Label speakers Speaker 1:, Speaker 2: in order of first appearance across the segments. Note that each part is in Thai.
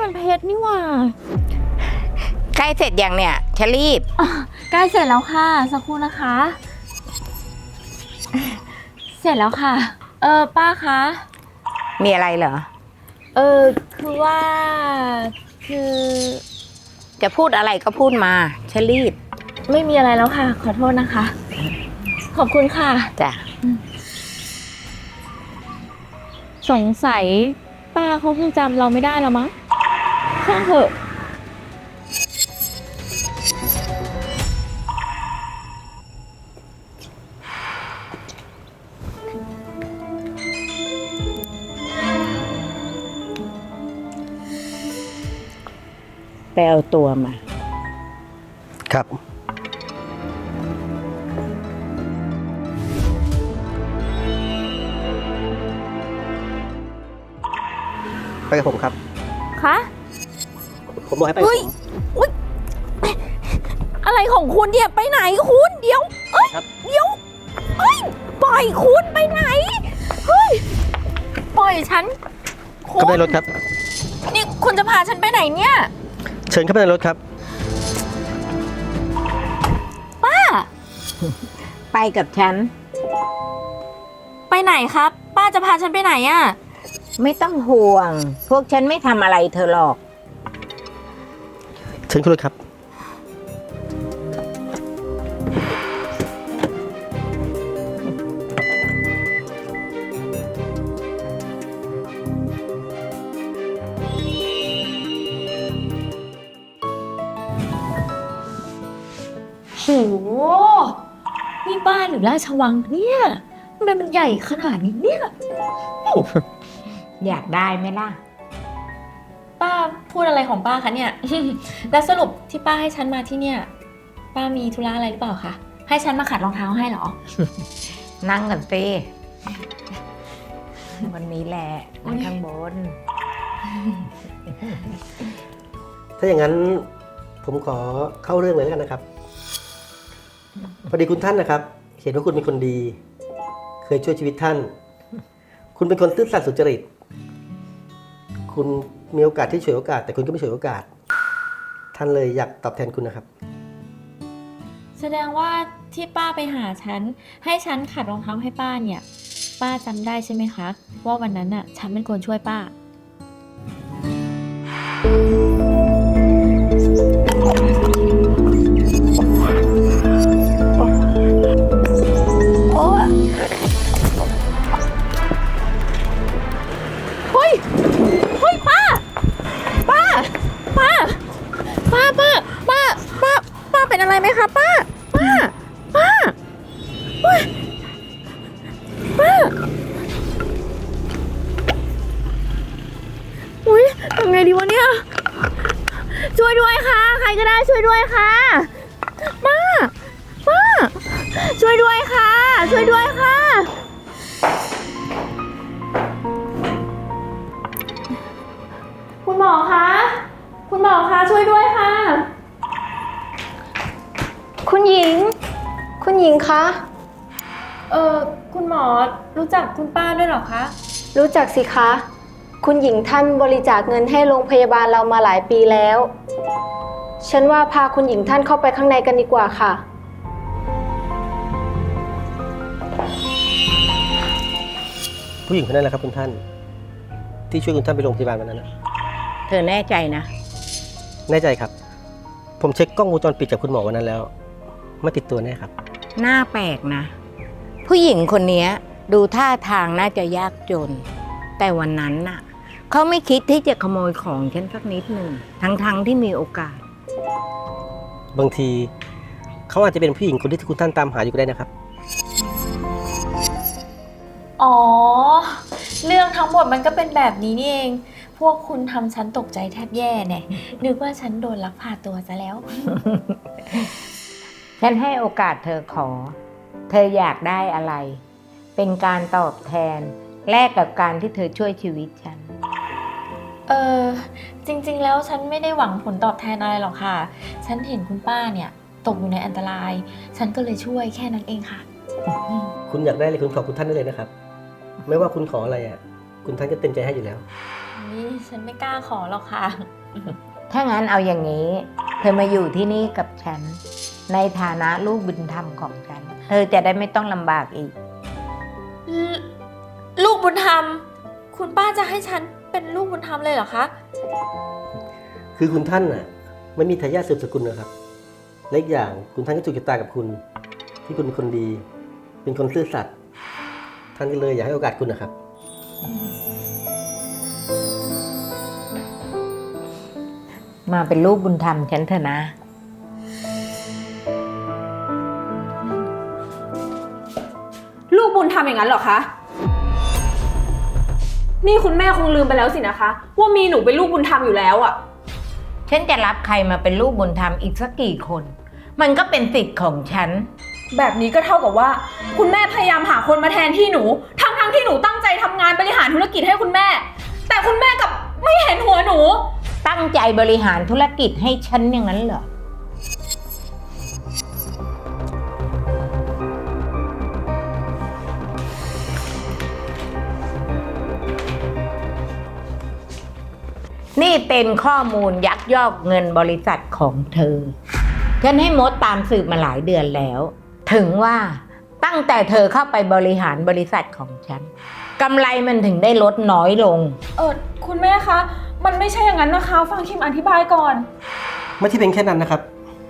Speaker 1: มันเพชรนี่หว่า
Speaker 2: ใกล้เสร็จยังเนี่ยชลีฟ
Speaker 1: ใกล้เสร็จแล้วค่ะสักครู่นะคะ เสร็จแล้วค่ะป้าคะ
Speaker 2: มีอะไรเหรอ
Speaker 1: คือว่าคือ
Speaker 2: จะพูดอะไรก็พูดมาชลีฟ
Speaker 1: ไม่มีอะไรแล้วค่ะ ขอโทษนะคะ ขอบคุณค่ะ
Speaker 2: จ้ะ
Speaker 1: สงสัยป้าเขาคงจำเราไม่ได้แล้วมั้งช่างเถอะ
Speaker 2: ไปเอาตัวมา
Speaker 3: ครับ ไปกับผมครับ
Speaker 1: คะ
Speaker 3: ผมบอกให้ไปกับ
Speaker 1: เฮ้ย
Speaker 3: ผม
Speaker 1: อุ๊ยอะไรของคุณเนี่ยไปไหนคุณเดี๋ยวเอ้ย
Speaker 3: ครับ
Speaker 1: เดี๋ยวเอ้ยปล่อยคุณไปไหนเฮ้ยปล่อยฉันคุณ
Speaker 3: เข้าไปในรถครับ
Speaker 1: นี่คุณจะพาฉันไปไหนเนี่ย
Speaker 3: เชิญเข้าไปในรถครับ
Speaker 1: ป้า
Speaker 2: ไปกับฉัน
Speaker 1: ไปไหนครับ ป้าจะพาฉันไปไหนอะ
Speaker 2: ไม่ต้องห่วง พวกฉันไม่ทำอะไรเธอหรอก
Speaker 3: เชิญขึ้นรถครับ
Speaker 1: โหนี่บ้านหรือราชวังเนี่ยทำไมมันใหญ่ขนาดนี้เนี่ย
Speaker 2: อยากได้ไหมล่ะ
Speaker 1: ป้าพูดอะไรของป้าคะเนี่ย แล้วสรุปที่ป้าให้ฉันมาที่เนี่ย ป้ามีธุระอะไรหรือเปล่าคะ ให้ฉันมาขัดรองเท้าให้เหรอ
Speaker 2: นั่งกันสิวันนี้แหละนั่งข้างบน
Speaker 3: ถ้าอย่างนั้นผมขอเข้าเรื่องเลยแล้วกันนะครับ พอดีคุณท่านนะครับ เห็นว่าคุณเป็นคนดี เคยช่วยชีวิตท่าน คุณเป็นคนซื่อสัตย์สุจริต คุณมีโอกาสที่ฉวยโอกาส แต่คุณก็ไม่ฉวยโอกาส ท่านเลยอยากตอบแทนคุณนะครับ
Speaker 1: แสดงว่าที่ป้าไปหาฉัน ให้ฉันขัดรองเท้าให้ป้าเนี่ย ป้าจำได้ใช่ไหมคะ ว่าวันนั้นน่ะ ฉันเป็นคนช่วยป้า โอ้ยเฮ้ย เฮ้ย ป้า ป้า ป้า ป้า ป้า ป้า ป้า ป้าเป็นอะไรไหมคะป้า ป้า ป้าเฮ้ยป้าอุ้ยทำไงดีวะเนี่ย ช่วยด้วยค่ะ ใครก็ได้ช่วยด้วยค่ะ ป้า ป้า ช่วยด้วยค่ะ ช่วยด้วยค่ะ คุณหมอคะ คุณหมอคะช่วยด้วยค่ะ
Speaker 4: คุณหญิง คุณหญิงคะ
Speaker 1: คุณหมอรู้จักคุณป้าด้วยเหรอคะ
Speaker 4: รู้จักสิคะ คุณหญิงท่านบริจาคเงินให้โรงพยาบาลเรามาหลายปีแล้ว ฉันว่าพาคุณหญิงท่านเข้าไปข้างในกันดีกว่าค่ะ
Speaker 3: ผู้หญิงคนนั้นแหละครับคุณท่าน ที่ช่วยคุณท่านไปโรงพยาบาลวันนั้นนะ
Speaker 2: เธอแน่ใจนะ
Speaker 3: แน่ใจครับ ผมเช็คกล้องวงจรปิดจากคุณหมอวันนั้นแล้ว ไม่ติดตัวแน่ครับ
Speaker 2: หน้าแปลกนะ ผู้หญิงคนนี้ดูท่าทางน่าจะยากจน แต่วันนั้นน่ะเขาไม่คิดที่จะขโมยของฉันสักนิดหนึ่งทั้งที่มีโอกาส
Speaker 3: บางทีเขาอาจจะเป็นผู้หญิงคนที่คุณท่านตามหาอยู่ก็ได้นะครับ
Speaker 1: อ๋อ เรื่องทั้งหมดมันก็เป็นแบบนี้นี่เอง พวกคุณทำฉันตกใจแทบแย่เนี่ยนึกว่าฉันโดนลักพาตัวซะแล้ว
Speaker 2: ฉันให้โอกาสเธอขอ เธออยากได้อะไร เป็นการตอบแทนแลกกับการที่เธอช่วยชีวิตฉัน
Speaker 1: จริงๆแล้วฉันไม่ได้หวังผลตอบแทนอะไรหรอกค่ะ ฉันเห็นคุณป้าเนี่ยตกอยู่ในอันตราย ฉันก็เลยช่วยแค่นั้นเองค่ะ
Speaker 3: คุณอยากได้อะไรคุณขอคุณท่านได้เลยนะครับ ไม่ว่าคุณขออะไรอ่ะ คุณท่านก็เต็มใจให้อยู่แล้ว
Speaker 1: นี่ฉันไม่กล้าขอหรอกค่ะ
Speaker 2: ถ้างั้นเอาอย่างนี้ เธอมาอยู่ที่นี่กับฉัน ในฐานะลูกบุญธรรมของฉัน เธอจะได้ไม่ต้องลำบากอีก
Speaker 1: ลูกบุญธรรม คุณป้าจะให้ฉันเป็นลูกบุญธรรมเลยเหรอคะ
Speaker 3: คือคุณท่านน่ะไม่มีทายาทสืบสกุลนะครับและอีกอย่างคุณท่านก็ถูกชะตากับคุณ ที่คุณเป็นคนดี เป็นคนซื่อสัตย์ท่านก็เลยอยากให้โอกาสคุณนะครับ
Speaker 2: มาเป็นลูกบุญธรรมฉันเถอะนะ
Speaker 5: ลูกบุญธรรมอย่างนั้นเหรอคะ นี่คุณแม่คงลืมไปแล้วสินะคะ ว่ามีหนูเป็นลูกบุญธรรมอยู่แล้วอะ
Speaker 2: ฉันจะรับใครมาเป็นลูกบุญธรรมอีกสักกี่คน มันก็เป็นสิทธิ์ของฉัน
Speaker 5: แบบนี้ก็เท่ากับว่า คุณแม่พยายามหาคนมาแทนที่หนู ทั้งที่หนูตั้งใจทำงานบริหารธุรกิจให้คุณแม่ แต่คุณแม่กลับไม่เห็นหัวหนู
Speaker 2: ตั้งใจบริหารธุรกิจให้ฉันอย่างนั้นเหรอ นี่เป็นข้อมูลยักยอกเงินบริษัทของเธอ ฉันให้มดตามสืบมาหลายเดือนแล้ว ถึงว่าตั้งแต่เธอเข้าไปบริหารบริษัทของฉันกำไรมันถึงได้ลดน้อยลง
Speaker 5: คุณแม่คะ มันไม่ใช่อย่างนั้นนะคะ ฟังคิมอธิบายก่อน
Speaker 3: ไม่ใช่เป็นแค่นั้นนะครับ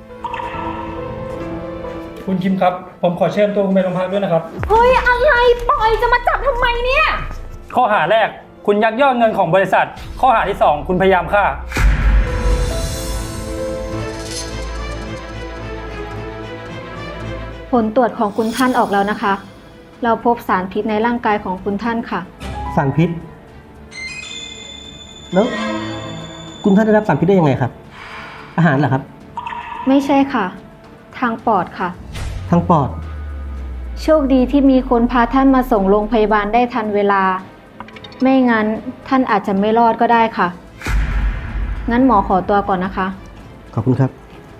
Speaker 6: คุณคิมครับ ผมขอเชิญตัวคุณไปโรงพักด้วยนะครับ
Speaker 5: เฮ้ย อะไรปล่อยจะมาจับทำไมเนี่ย
Speaker 6: ข้อหาแรกคุณยักยอกเงินของบริษัท ข้อหาที่ 2 คุณพยายามฆ่า
Speaker 4: ผลตรวจของคุณท่านออกแล้วนะคะ เราพบสารพิษในร่างกายของคุณท่านค่ะ
Speaker 3: สารพิษ แล้วคุณท่านได้รับสารพิษได้ยังไงครับ อาหารเหรอครับ
Speaker 4: ไม่ใช่ค่ะ ทางปอดค่ะ
Speaker 3: ทางปอด
Speaker 4: โชคดีที่มีคนพาท่านมาส่งโรงพยาบาลได้ทันเวลา ไม่งั้นท่านอาจจะไม่รอดก็ได้ค่ะ งั้นหมอขอตัวก่อนนะคะ
Speaker 3: ขอบคุณครับ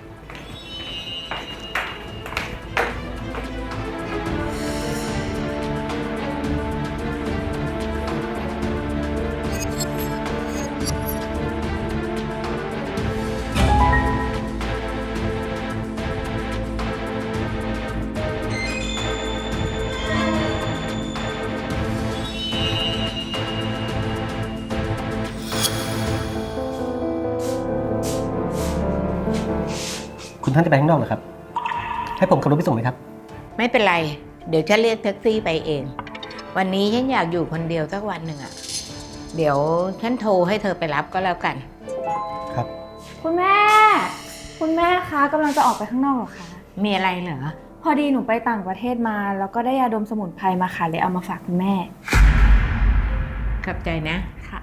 Speaker 3: คุณท่านจะไปข้างนอกเหรอครับ ให้ผมขับรถไปส่งไหมครับ
Speaker 2: ไม่เป็นไร เดี๋ยวฉันเรียกแท็กซี่ไปเอง วันนี้ฉันอยากอยู่คนเดียวสักวันหนึ่งอะเดี๋ยวฉันโทรให้เธอไปรับก็แล้วกัน
Speaker 3: ครับ
Speaker 5: คุณแม่ คุณแม่คะกำลังจะออกไปข้างนอกเหรอคะ
Speaker 2: มีอะไรเหรอ
Speaker 5: พอดีหนูไปต่างประเทศมา แล้วก็ได้ยาดมสมุนไพรมาค่ะเลยเอามาฝากคุณแม่
Speaker 2: ขอบใจนะ
Speaker 5: ค่ะ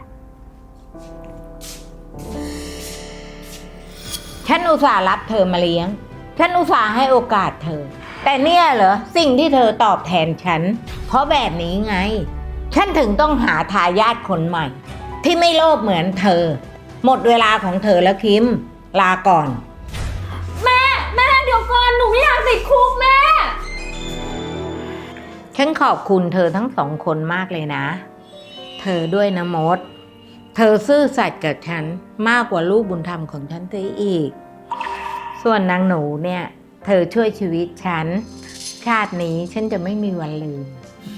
Speaker 2: ฉันอุตส่าห์รับเธอมาเลี้ยง ฉันอุตส่าห์ให้โอกาสเธอ แต่เนี่ยเหรอสิ่งที่เธอตอบแทนฉัน เพราะแบบนี้ไง ฉันถึงต้องหาทายาทคนใหม่ ที่ไม่โลภเหมือนเธอ หมดเวลาของเธอแล้วคิม ลาก่อน
Speaker 5: แม่เดี๋ยวก่อนหนูไม่อยากติดคุกแม่
Speaker 2: ฉันขอบคุณเธอทั้งสองคนมากเลยนะ เธอด้วยนะมด เธอซื่อสัตย์กับฉันมากกว่าลูกบุญธรรมของฉันเสียอีก ส่วนนางหนูเนี่ย เธอช่วยชีวิตฉัน ชาตินี้ฉันจะไม่มีวันลืม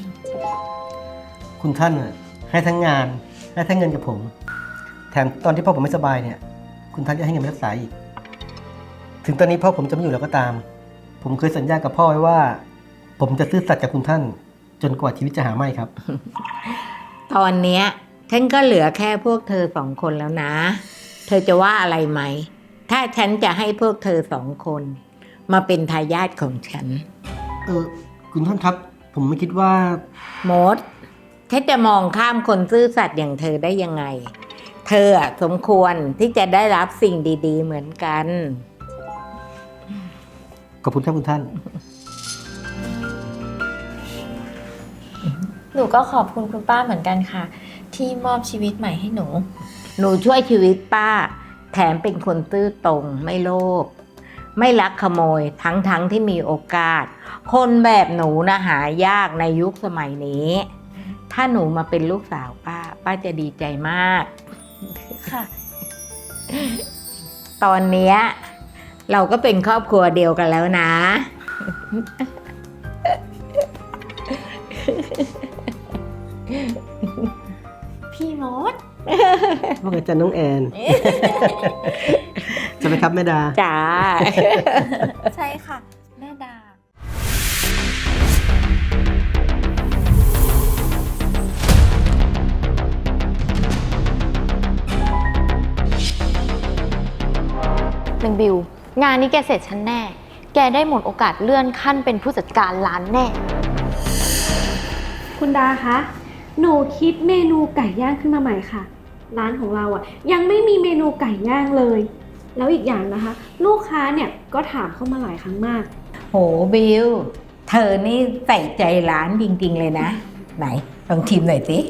Speaker 3: คุณท่านน่ะให้ทั้งงานให้ทั้งเงินกับผม แถมตอนที่พ่อผมไม่สบายเนี่ย คุณท่านจะให้เงินไปรักษาอีก ถึงตอนนี้พ่อผมจะไม่อยู่แล้วก็ตาม ผมเคยสัญญากับพ่อไว้ว่า ผมจะซื่อสัตย์กับคุณท่าน จนกว่าชีวิตจะหาไม่ครับ
Speaker 2: ตอนเนี้ยฉันก็เหลือแค่พวกเธอสองคนแล้วนะ เธอจะว่าอะไรไหม ถ้าฉันจะให้พวกเธอสองคน มาเป็นทายาทของฉัน
Speaker 3: คุณท่านครับ ผมไม่คิดว่า
Speaker 2: มดฉันจะมองข้ามคนซื่อสัตย์อย่างเธอได้ยังไง เธออะสมควรที่จะได้รับสิ่งดีๆเหมือนกัน
Speaker 3: ขอบคุณครับคุณท่าน
Speaker 1: หนูก็ขอบคุณคุณป้าเหมือนกันค่ะ ที่มอบชีวิตใหม่ให้หนู
Speaker 2: หนูช่วยชีวิตป้า แถมเป็นคนซื่อตรงไม่โลภไม่ลักขโมยทั้งที่มีโอกาส คนแบบหนูนะหายากในยุคสมัยนี้ถ้าหนูมาเป็นลูกสาวป้าจะดีใจมาก
Speaker 1: ค่ะ
Speaker 2: ตอนเนี้ยเราก็เป็นครอบครัวเดียวกันแล้วนะ
Speaker 1: พี่มด
Speaker 3: ว่าไงจ๊ะน้องแอน จะไปครับแม่ดา
Speaker 2: จ้า
Speaker 1: ใช่ค่ะ แม่ดา
Speaker 7: นางบิว งานนี้แกเสร็จฉันแน่ แกได้หมดโอกาสเลื่อนขั้นเป็นผู้จัดการร้านแน่
Speaker 8: คุณดาคะ หนูคิดเมนูไก่ย่างขึ้นมาใหม่ค่ะ ร้านของเราอ่ะยังไม่มีเมนูไก่ย่างเลย แล้วอีกอย่างนะคะ ลูกค้าเนี่ยก็ถามเข้ามาหลายครั้งมาก
Speaker 2: โหบิว เธอนี่ใส่ใจร้านจริงๆเลยนะ ไหนลองชิมหน่อยสิ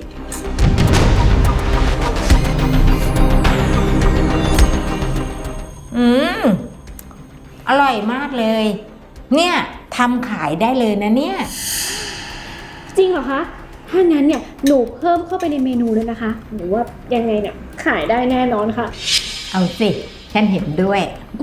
Speaker 2: อร่อยมากเลย เนี่ยทำขายได้เลยนะเนี่ย
Speaker 8: จริงเหรอคะ ถ้างั้นเนี่ยหนูเพิ่มเข้าไปในเมนูเลยนะคะ หนูว่ายังไงเนี่ยขายได้แน่นอนค่ะ
Speaker 2: เอาสิ ฉันเห็นด้วย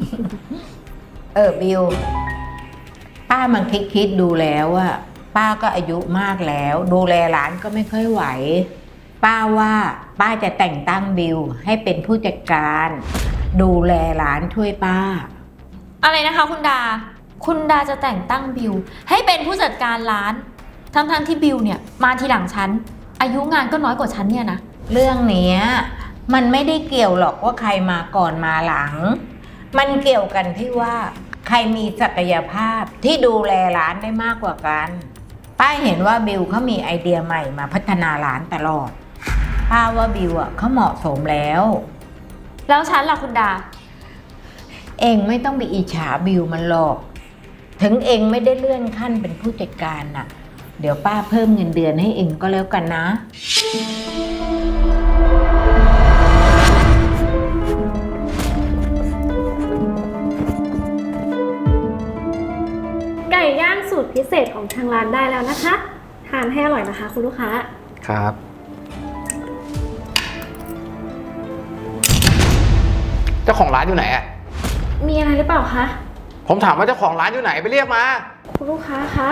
Speaker 2: บิว ป้ามันคิดดูแล้วอะป้าก็อายุมากแล้ว ดูแลร้านก็ไม่ค่อยไหว ป้าว่าป้าจะแต่งตั้งบิวให้เป็นผู้จัดการ ดูแลร้านช่วยป้า
Speaker 7: อะไรนะคะคุณดา คุณดาจะแต่งตั้งบิวให้เป็นผู้จัดการร้าน ทั้งที่บิวเนี่ยมาทีหลังฉัน อายุงานก็น้อยกว่าฉันเนี่ยนะ
Speaker 2: เรื่องเนี้ยมันไม่ได้เกี่ยวหรอกว่าใครมาก่อนมาหลัง มันเกี่ยวกันที่ว่าใครมีศักยภาพที่ดูแลร้านได้มากกว่ากัน ป้าเห็นว่าบิวเขามีไอเดียใหม่มาพัฒนาร้านตลอด ป้าว่าบิวอ่ะเขาเหมาะสมแล้ว
Speaker 7: แล้วฉันล่ะคุณดา
Speaker 2: เองไม่ต้องไปอิจฉาบิวมันหรอก ถึงเองไม่ได้เลื่อนขั้นเป็นผู้จัดการน่ะ เดี๋ยวป้าเพิ่มเงินเดือนให้เองก็แล้วกันนะ
Speaker 8: ไก่ย่างสูตรพิเศษของทางร้านได้แล้วนะคะ ทานให้อร่อยนะคะคุณลูกค้า
Speaker 9: ครับ เจ้าของร้านอยู่ไหนอะ
Speaker 8: มีอะไรหรือเปล่าคะ
Speaker 9: ผมถามว่าเจ้าของร้านอยู่ไหนไปเรียกมา
Speaker 8: คุณลูกค้าคะ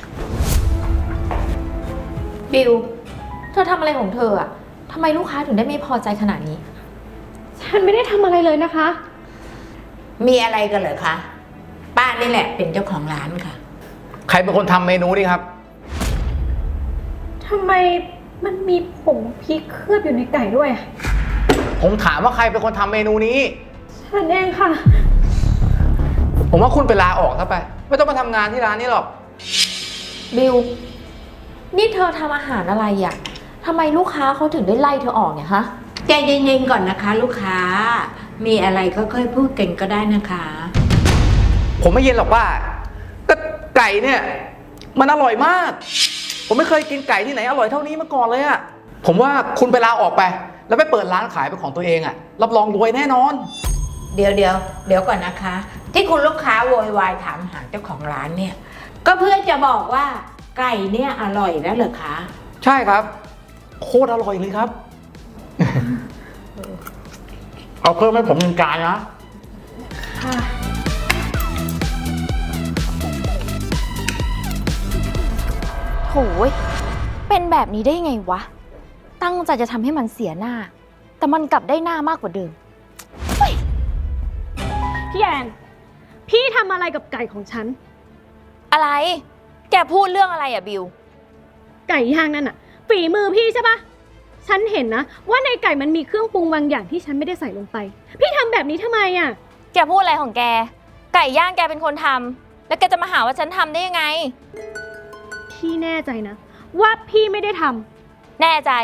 Speaker 7: บิว เธอทำอะไรของเธออะทำไมลูกค้าถึงได้ไม่พอใจขนาดนี้
Speaker 8: ฉันไม่ได้ทำอะไรเลยนะคะ
Speaker 2: มีอะไรกันเหรอคะ ป้านี่แหละเป็นเจ้าของร้านค่ะ
Speaker 9: ใครเป็นคนทำเมนูนี่ครับ
Speaker 8: ทำไมมันมีผงพริกเคลือบอยู่ในไก่ด้วยอะ
Speaker 9: ผมถามว่าใครเป็นคนทำเมนูนี้
Speaker 8: ฉันเองค่ะ
Speaker 9: ผมว่าคุณไปลาออกซะไป ไม่ต้องมาทำงานที่ร้านนี้หรอก
Speaker 7: บิว นี่เธอทำอาหารอะไรอะทำไมลูกค้าเขาถึงได้ไล่เธอออกเนี่ยฮะ
Speaker 2: ใจเย็นๆก่อนนะคะ ลูกค้า มีอะไรค่อยๆพูดกันก็ได้นะคะ
Speaker 9: ผมไม่เย็นหรอกว่าก็ไก่เนี่ย มันอร่อยมาก ผมไม่เคยกินไก่ที่ไหนอร่อยเท่านี้มาก่อนเลยอะผมว่าคุณไปลาออกไป แล้วไปเปิดร้านขายเป็นของตัวเองอะรับรองรวยแน่นอน
Speaker 2: เดี๋ยวก่อนนะคะ ที่คุณลูกค้าโวยวายถามหาเจ้าของร้านเนี่ย ก็เพื่อจะบอกว่าไก่เนี่ยอร่อยแล้วเหรอคะ
Speaker 9: ใช่ครับ โคตรอร่อยเลยครับ เอาเพิ่มให้ผมหนึ่งจานนะ
Speaker 7: โหยเป็นแบบนี้ได้ยังไงวะ ตั้งใจจะทำให้มันเสียหน้า แต่มันกลับได้หน้ามากกว่าเดิม
Speaker 8: พี่แอน พี่ทำอะไรกับไก่ของฉัน
Speaker 7: อะไร แกพูดเรื่องอะไรอะบิว
Speaker 8: ไก่ย่างนั่นอะฝีมือพี่ใช่ปะฉันเห็นนะว่าในไก่มันมีเครื่องปรุงบางอย่างที่ฉันไม่ได้ใส่ลงไป พี่ทำแบบนี้ทำไมอะ
Speaker 7: แกพูดอะไรของแก ไก่ย่างแกเป็นคนทำ แล้วแกจะมาหาว่าฉันทำได้ยังไง
Speaker 8: พี่แน่ใจนะ ว่าพี่ไม่ได้ทำ
Speaker 7: แน่ใจ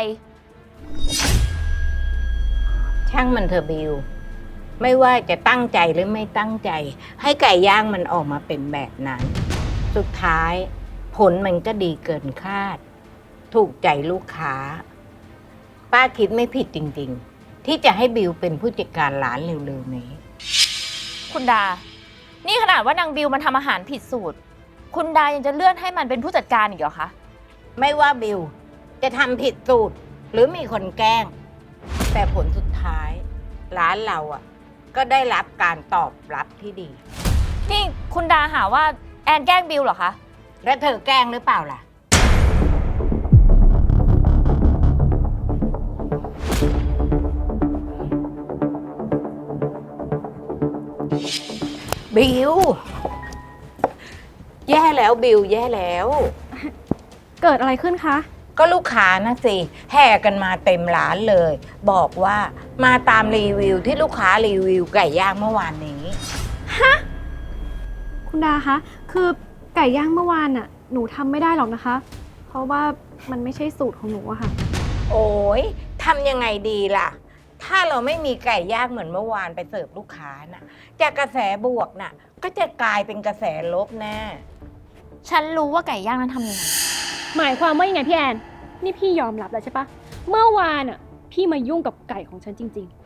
Speaker 2: ช่างมันเถอะบิว ไม่ว่าจะตั้งใจหรือไม่ตั้งใจ ให้ไก่ย่างมันออกมาเป็นแบบนั้น สุดท้ายผลมันก็ดีเกินคาด ถูกใจลูกค้า ป้าคิดไม่ผิดจริงๆ ที่จะให้บิวเป็นผู้จัดการร้านเร็วๆนี้
Speaker 7: คุณดา นี่ขนาดว่านางบิวมันทำอาหารผิดสูตร คุณดายังจะเลื่อนให้มันเป็นผู้จัดการอีกเหรอคะ
Speaker 2: ไม่ว่าบิวจะทำผิดสูตรหรือมีคนแกล้ง แต่ผลสุดท้ายร้านเราอ่ะ ก็ได้รับการตอบรับที่ดี
Speaker 7: นี่คุณดาหาว่าแอนแกล้งบิวเหรอคะ
Speaker 2: แล้วเธอแกล้งหรือเปล่าล่ะ บิว แย่แล้วบิวแย่แล้ว
Speaker 8: เกิดอะไรขึ้นคะ
Speaker 2: ก็ลูกค้านะสิ แห่กันมาเต็มร้านเลย บอกว่ามาตามรีวิวที่ลูกค้ารีวิวไก่ย่างเมื่อวานนี้
Speaker 8: คุณดาคะ คือไก่ย่างเมื่อวานน่ะ หนูทำไม่ได้หรอกนะคะ เพราะว่ามันไม่ใช่สูตรของหนูอะค่ะ
Speaker 2: โอ้ยทำยังไงดีล่ะ ถ้าเราไม่มีไก่ย่างเหมือนเมื่อวานไปเสิร์ฟลูกค้าน่ะจากกระแสบวกน่ะ ก็จะกลายเป็นกระแสลบแน่
Speaker 7: ฉันรู้ว่าไก่ย่างนั้นทำยังไง
Speaker 8: หมายความว่ายังไงพี่แอน นี่พี่ยอมรับแล้วใช่ปะ เมื่อวานอะพี่มายุ่งกับไก่ของฉันจริง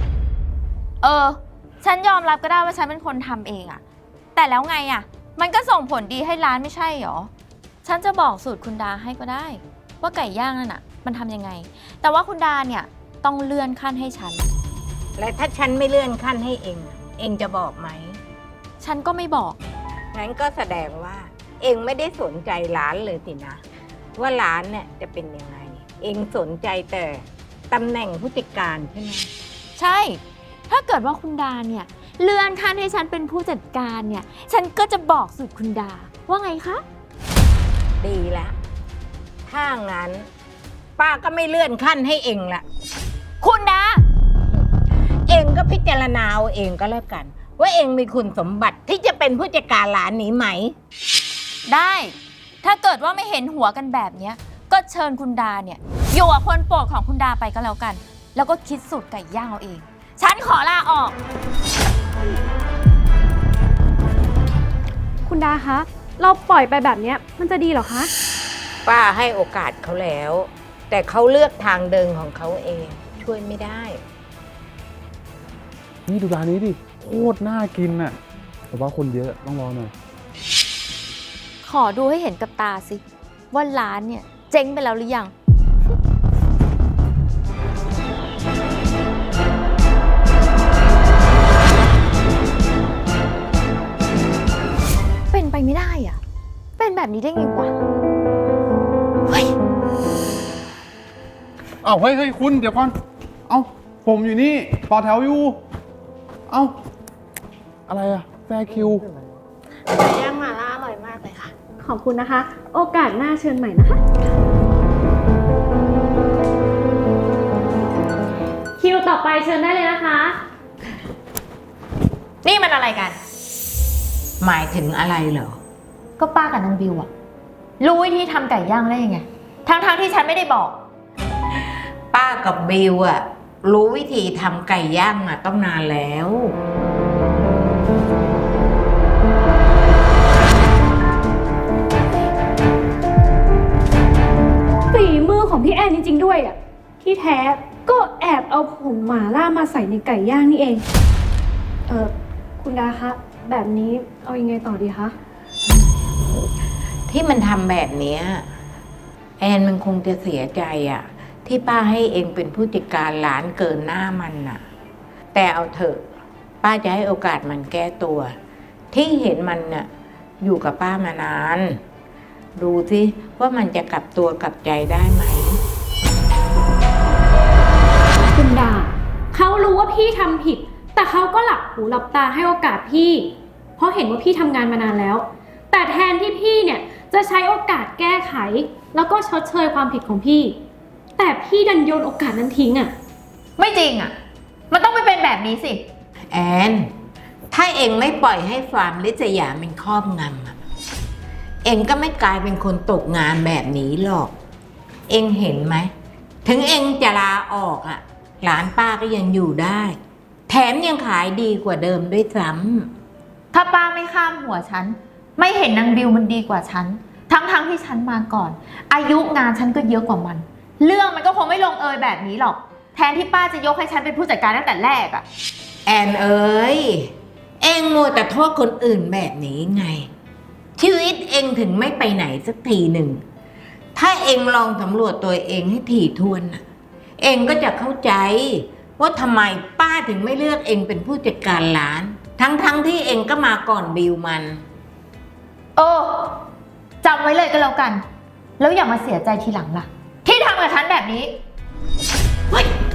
Speaker 7: ฉันยอมรับก็ได้ว่าฉันเป็นคนทำเองอะแต่แล้วไงอะมันก็ส่งผลดีให้ร้านไม่ใช่หรอ ฉันจะบอกสูตรคุณดาให้ก็ได้ ว่าไก่ย่างนั่นอะมันทำยังไง แต่ว่าคุณดาเนี่ยต้องเลื่อนขั้นให้ฉัน
Speaker 2: และถ้าฉันไม่เลื่อนขั้นให้เอง เองจะบอกไหม
Speaker 7: ฉันก็ไม่บอก
Speaker 2: งั้นก็แสดงว่า เองไม่ได้สนใจร้านเลยสินะ ว่าร้านเนี่ยจะเป็นยังไง เองสนใจแต่ตำแหน่งผู้จัดการใช่ไหม
Speaker 7: ใช่ ถ้าเกิดว่าคุณดาเนี่ยเลื่อนขั้นให้ฉันเป็นผู้จัดการเนี่ย ฉันก็จะบอกสูตรคุณดา ว่าไงคะ
Speaker 2: ดีแล้วถ้างั้น ป้าก็ไม่เลื่อนขั้นให้เองละ
Speaker 7: คุณดา
Speaker 2: เองก็พิจารณาเอาเองก็แล้วกัน ว่าเองมีคุณสมบัติที่จะเป็นผู้จัดการร้านนี้ไหม
Speaker 7: ได้ ถ้าเกิดว่าไม่เห็นหัวกันแบบเนี้ย ก็เชิญคุณดาเนี่ยอยู่กับคนโปรดของคุณดาไปก็แล้วกัน แล้วก็คิดสูตรไก่ย่างเอาเอง ฉันขอลาออก
Speaker 8: ๆ คุณดาคะ เราปล่อยไปแบบเนี้ยมันจะดีเหรอคะ
Speaker 2: ป้าให้โอกาสเขาแล้ว แต่เขาเลือกทางเดินของเขาเองช่วยไม่ได้
Speaker 10: นี่ดูร้านนี้ดิโคตรน่ากินน่ะแต่ว่าคนเยอะต้องรอหน่อย
Speaker 7: ขอดูให้เห็นกับตาสิ ว่าร้านเนี่ยเจ๊งไปแล้วหรือยัง เป็นไปไม่ได้อ่ะ เป็นแบบนี้ได้ไงวะ เฮ้ย
Speaker 10: อ้าวเฮ้ยคุณเดี๋ยวก่อน เอ้าผมอยู่นี่ต่อแถวอยู่ เอ้าอะไรอะแฟร์คิว
Speaker 1: ไก่ย่างหม่าล่าอร่อยมากเลยค่ะ
Speaker 8: ขอบคุณนะคะ โอกาสหน้าเชิญใหม่นะคะ คิวต่อไปเชิญได้เลยนะคะ
Speaker 7: นี่มันอะไรกัน
Speaker 2: หมายถึงอะไรเหรอ
Speaker 7: ก็ป้ากับนางบิวอะรู้วิธีทำไก่ย่างได้ยังไง ทั้งที่ฉันไม่ได้บอก
Speaker 2: ป้ากับบิวอะรู้วิธีทำไก่ย่างมาต้องนานแล้ว
Speaker 8: ฝีมือของพี่แอนจริงๆด้วยอ่ะ ที่แท้ก็แอบเอาผงหม่าล่ามาใส่ในไก่ย่างนี่เอง คุณดาคะ แบบนี้เอายังไงต่อดีคะ
Speaker 2: ที่มันทำแบบเนี้ยแอนมันคงจะเสียใจอะที่ป้าให้เองเป็นผู้จัดการร้านเกินหน้ามันน่ะ แต่เอาเถอะ ป้าจะให้โอกาสมันแก้ตัว ที่เห็นมันน่ะอยู่กับป้ามานาน ดูสิว่ามันจะกลับตัวกลับใจได้ไหม
Speaker 8: คุณดาเขารู้ว่าพี่ทำผิด แต่เขาก็หลับหูหลับตาให้โอกาสพี่ เพราะเห็นว่าพี่ทำงานมานานแล้ว แต่แทนที่พี่เนี่ยจะใช้โอกาสแก้ไข แล้วก็ชดเชยความผิดของพี่ แต่พี่ดันโยนโอกาสนั้นทิ้งอ่ะ
Speaker 7: ไม่จริงอะมันต้องไม่เป็นแบบนี้สิ
Speaker 2: แอนถ้าเองไม่ปล่อยให้ความลิษยามันครอบงำอะเองก็ไม่กลายเป็นคนตกงานแบบนี้หรอก เองเห็นไหมถึงเองจะลาออกอะร้านป้าก็ยังอยู่ได้ แถมยังขายดีกว่าเดิมด้วยซ้ำ
Speaker 7: ถ้าป้าไม่ข้ามหัวฉัน ไม่เห็นนางบิวมันดีกว่าฉัน ทั้งที่ฉันมาก่อน อายุงานฉันก็เยอะกว่ามัน เรื่องมันก็คงไม่ลงเอยแบบนี้หรอก แทนที่ป้าจะยกให้ฉันเป็นผู้จัดการตั้งแต่แรกอะ
Speaker 2: แอนเอ๋ยเองมัวแต่โทษคนอื่นแบบนี้ไง ชีวิตเองถึงไม่ไปไหนสักทีหนึ่งถ้าเองลองสำรวจตัวเองให้ถี่ถ้วนน่ะ เองก็จะเข้าใจว่าทำไมป้าถึงไม่เลือกเองเป็นผู้จัดการร้าน ทั้งที่เองก็มาก่อนบิวมัน
Speaker 7: จำไว้เลยก็แล้วกัน แล้วอย่ามาเสียใจทีหลังล่ะ ที่ทำกับฉันแบบนี้
Speaker 2: เฮ้ย